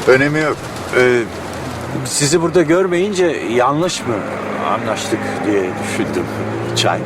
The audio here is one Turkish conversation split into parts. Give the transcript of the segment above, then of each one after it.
Önemi yok. Sizi burada görmeyince yanlış mı anlaştık diye düşündüm. Çay.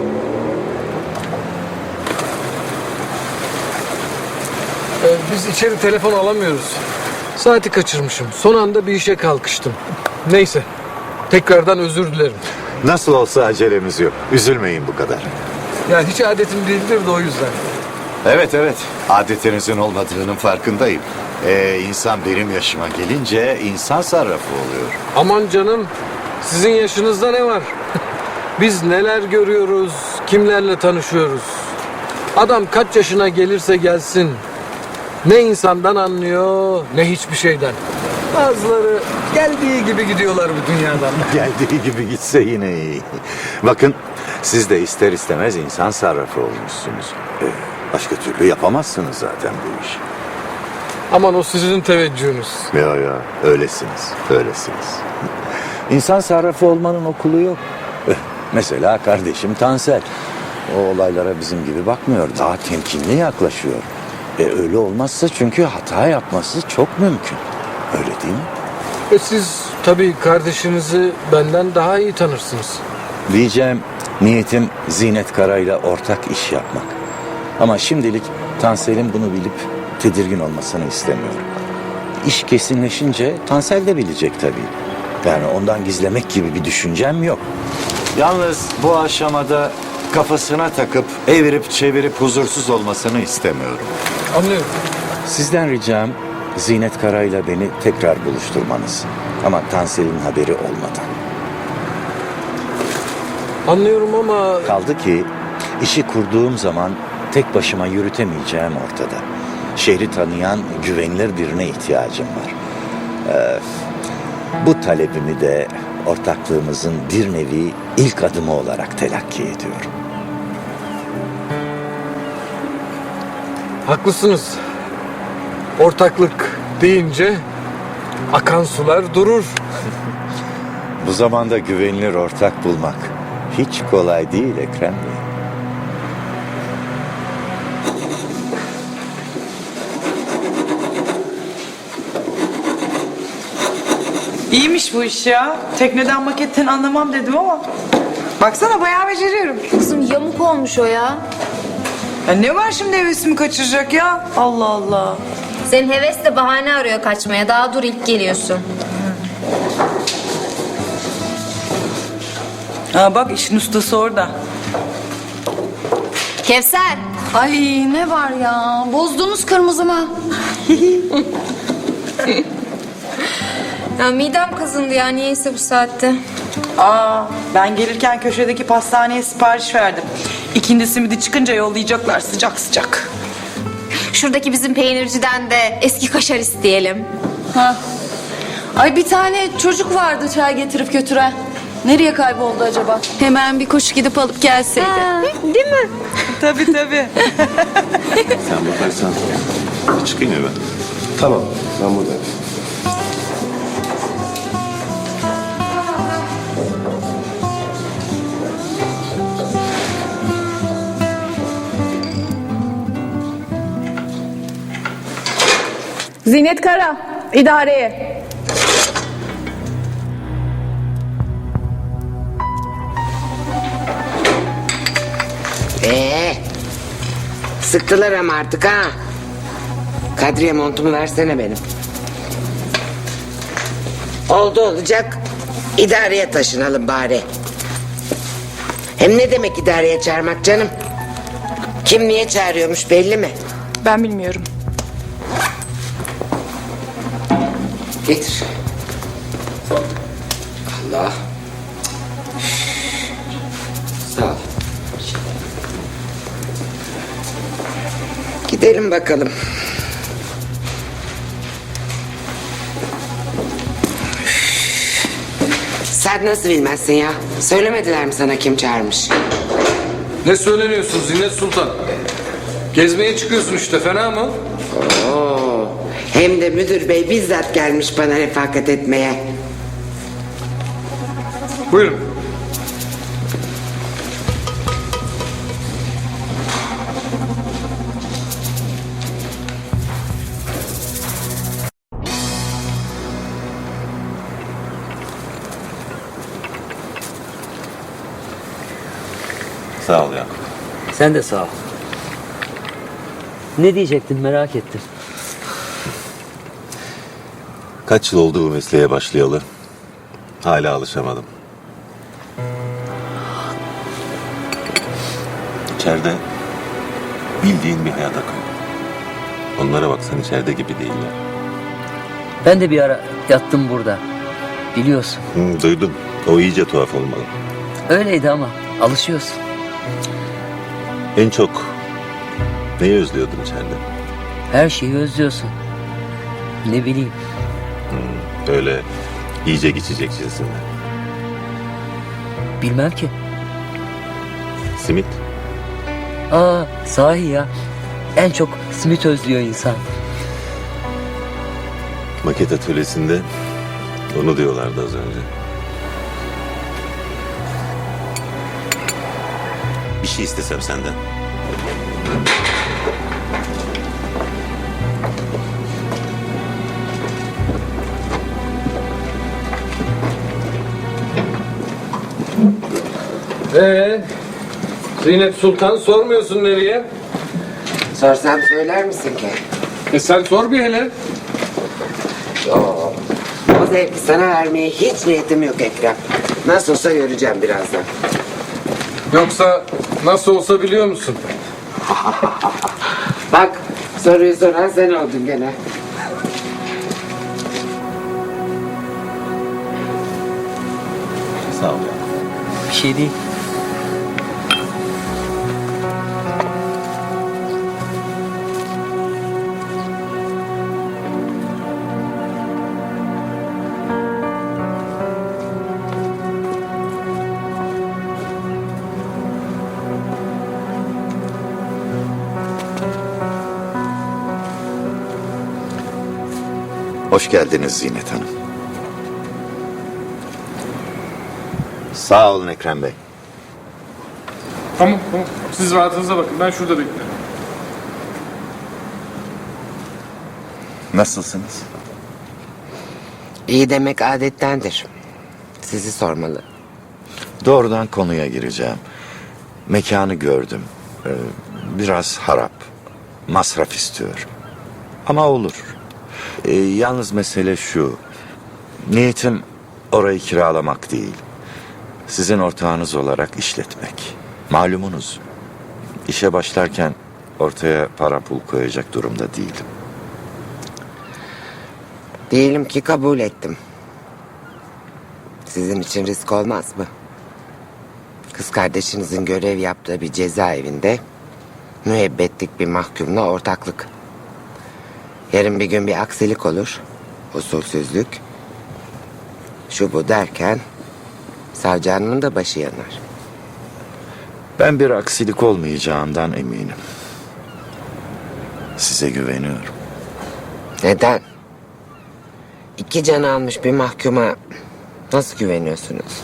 Biz içeri telefon alamıyoruz. Saati kaçırmışım. Son anda bir işe kalkıştım. Neyse. Tekrardan özür dilerim. Nasıl olsa acelemiz yok. Üzülmeyin bu kadar. Yani hiç adetim değildir de o yüzden. Evet. Adetinizin olmadığının farkındayım. İnsan benim yaşıma gelince insan sarrafı oluyor. Aman canım. Sizin yaşınızda ne var? Biz neler görüyoruz, kimlerle tanışıyoruz. Adam kaç yaşına gelirse gelsin. Ne insandan anlıyor, ne hiçbir şeyden. Bazıları geldiği gibi gidiyorlar bu dünyadan. Geldiği gibi gitse yine iyi. Bakın siz de ister istemez insan sarrafı olmuşsunuz. Başka türlü yapamazsınız zaten bu işi. Aman o sizin teveccühünüz. Ya öylesiniz. İnsan sarrafı olmanın okulu yok. Mesela kardeşim Tansel. O olaylara bizim gibi bakmıyor. Daha temkinli yaklaşıyor. Öyle olmazsa çünkü hata yapması çok mümkün. Öyle değil mi? Siz tabii kardeşinizi benden daha iyi tanırsınız. Diyeceğim niyetim Zinet Kara'yla ortak iş yapmak. Ama şimdilik Tansel'in bunu bilip tedirgin olmasını istemiyorum. İş kesinleşince Tansel de bilecek tabii. Yani ondan gizlemek gibi bir düşüncem yok. Yalnız bu aşamada kafasına takıp evirip çevirip huzursuz olmasını istemiyorum. Anlıyorum. Sizden ricam Zinet Kara'yla beni tekrar buluşturmanız. Ama Tansel'in haberi olmadan. Anlıyorum ama Kaldı ki işi kurduğum zaman tek başıma yürütemeyeceğim ortada. Şehri tanıyan güvenilir birine ihtiyacım var. Bu talebimi de ortaklığımızın bir nevi ilk adımı olarak telakki ediyorum. haklısınız. Ortaklık deyince akan sular durur. Bu zamanda güvenilir ortak bulmak hiç kolay değil Ekrem Bey. İyiymiş bu iş ya. Tekneden maketten anlamam dedim ama. Baksana bayağı beceriyorum. Kızım yamuk olmuş o ya. Ya ne var şimdi hevesimi kaçıracak ya? Allah Allah. Senin heves de bahane arıyor kaçmaya. Daha dur ilk geliyorsun. Ha bak işin ustası orada. Kevser. Ay ne var ya? Bozdunuz kırmızımı. Ya midem kazındı ya niyeyse bu saatte. Aa ben gelirken köşedeki pastaneye sipariş verdim. İkindi simidi çıkınca yollayacaklar sıcak sıcak. Şuradaki bizim peynirciden de eski kaşar isteyelim. Ha. Ay bir tane çocuk vardı çay getirip götüren. Nereye kayboldu acaba? Hemen bir koşu gidip alıp gelseydi. Değil mi? Tabii tabii. Sen bakarsan çıkayım ya ben. Tamam, ben buradayım. Zinet Kara, idareye. Sıktılar ama artık ha. Kadriye montumu versene benim. Oldu olacak. İdareye taşınalım bari. Hem ne demek idareye çağırmak canım? Kim niye çağırıyormuş belli mi? Ben bilmiyorum. Getir. Allah. Sağ ol. Gidelim bakalım. Sen nasıl bilmezsin ya? Söylemediler mi sana kim çağırmış? Ne söyleniyorsun Zinet Sultan? Gezmeye çıkıyorsun işte fena mı? Oo, hem de müdür bey bizzat gelmiş bana refakat etmeye. Buyurun. Sağ ol Yakup. Sen de sağ ol. Ne diyecektin merak ettim. Kaç yıl oldu bu mesleğe başlayalı? Hala alışamadım. İçeride bildiğin bir hayat akıyor. Onlara baksan içeride gibi değiller. Ben de bir ara yattım burada. Biliyorsun. Duydum. O iyice tuhaf olmalı. Öyleydi ama alışıyorsun. En çok neyi özlüyordun içeride? Her şeyi özlüyorsun. Ne bileyim. Öyle yiyecek içecek cinsinden. Bilmem ki. Simit. Aa sahi ya. En çok simit özlüyor insan. Maket atölyesinde onu diyorlardı az önce. Bir şey istesem senden. Zinet Sultan sormuyorsun nereye? Sorsam söyler misin ki? Sen sor bir hele. O zevki sana vermeye hiç niyetim yok Ekrem. Nasıl olsa göreceğim birazdan. Yoksa nasıl olsa biliyor musun? Bak soruyu soran sen oldun gene. Sağ ol ya. Bir şey değil. Hoş geldiniz Zinet Hanım. Sağ olun Ekrem Bey. Tamam. Siz rahatınıza bakın. Ben şurada bekliyorum. Nasılsınız? İyi demek adettendir. Sizi sormalı. Doğrudan konuya gireceğim. Mekanı gördüm. Biraz harap. Masraf istiyor. Ama olur. Yalnız mesele şu. Niyetim orayı kiralamak değil. Sizin ortağınız olarak işletmek. Malumunuz. İşe başlarken ortaya para pul koyacak durumda değilim. Diyelim ki kabul ettim. Sizin için risk olmaz mı? Kız kardeşinizin görev yaptığı bir cezaevinde müebbetlik bir mahkumla ortaklık. Yarın bir gün bir aksilik olur. Usulsüzlük. Şu bu derken savcı hanımın da başı yanar. Ben bir aksilik olmayacağından eminim. Size güveniyorum. Neden? 2 can almış bir mahkuma nasıl güveniyorsunuz?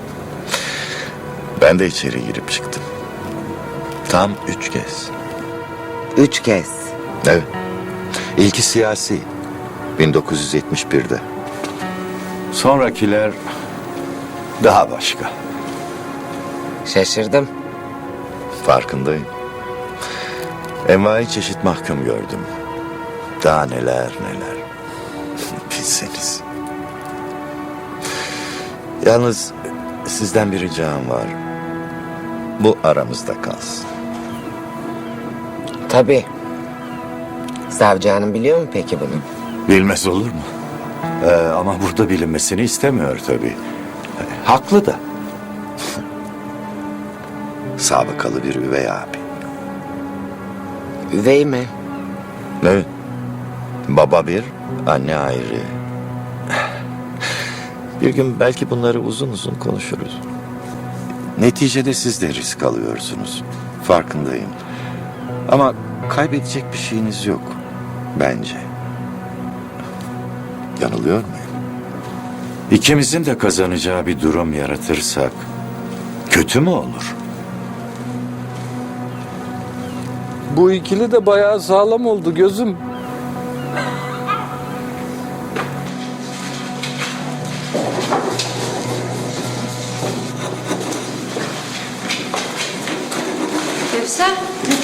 Ben de içeri girip çıktım. Tam 3 kez. 3 kez. Evet. İlki siyasi. 1971'de. Sonrakiler daha başka. Şaşırdım. Farkındayım. Envai çeşit mahkum gördüm. Daha neler neler. Bilseniz. Yalnız sizden bir ricam var. Bu aramızda kalsın. Tabii. Savcı hanım biliyor mu peki bunu? Bilmez olur mu? Ama burada bilinmesini istemiyor tabii. Haklı da. Sabıkalı bir üvey abi. Üvey mi? Evet. Baba bir, anne ayrı. Bir gün belki bunları uzun uzun konuşuruz. Neticede siz de risk alıyorsunuz. Farkındayım. Ama kaybedecek bir şeyiniz yok. Bence. Yanılıyor muyum? İkimizin de kazanacağı bir durum yaratırsak kötü mü olur? Bu ikili de bayağı sağlam oldu gözüm. Sen